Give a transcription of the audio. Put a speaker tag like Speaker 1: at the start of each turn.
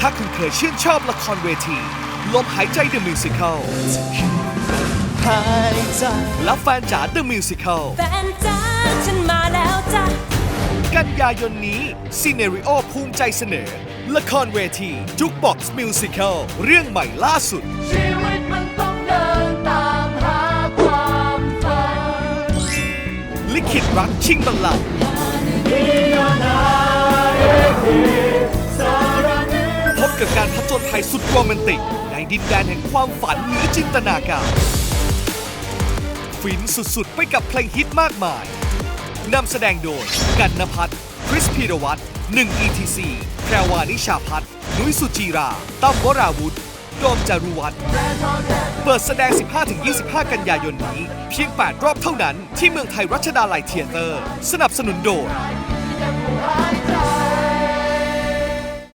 Speaker 1: าคุณเคยชื่นชอบละครเวทีลมหายใจ The Musical
Speaker 2: หายใจ
Speaker 1: และแฟนจ๋า The Musical
Speaker 3: แฟนจ้าฉันมาแล้วจ้ะ
Speaker 1: กันยายนนี้ซีเนริโอภูมิใจเสนอ ละครเวทีจุกบ็อกซ์มิวสิคลเรื่องใหม่ล่าสุด
Speaker 2: ชีวิตมันต้องเดินตามหาความฝัน
Speaker 1: ลิขิตรักชิงบัลลังก์พบกับการผจญภัยสุดโรแมนติก ในดินแดนแห่งความฝันเหนือจินตนาการฟินสุดๆไปกับเพลงฮิตมากมายนำแสดงโดยกันณภัทร คริสพีรวัตร1 ETC แพรวานิชาพัฒน์นุ้ยสุจีราตั้มวราวุธโดมจารุวัฒน์เปิดแสดง 15-25 กันยายนนี้เพียง 8 รอบเท่านั้นที่เมืองไทยรัชดาลัยเธียเตอร์สนับสนุนโดย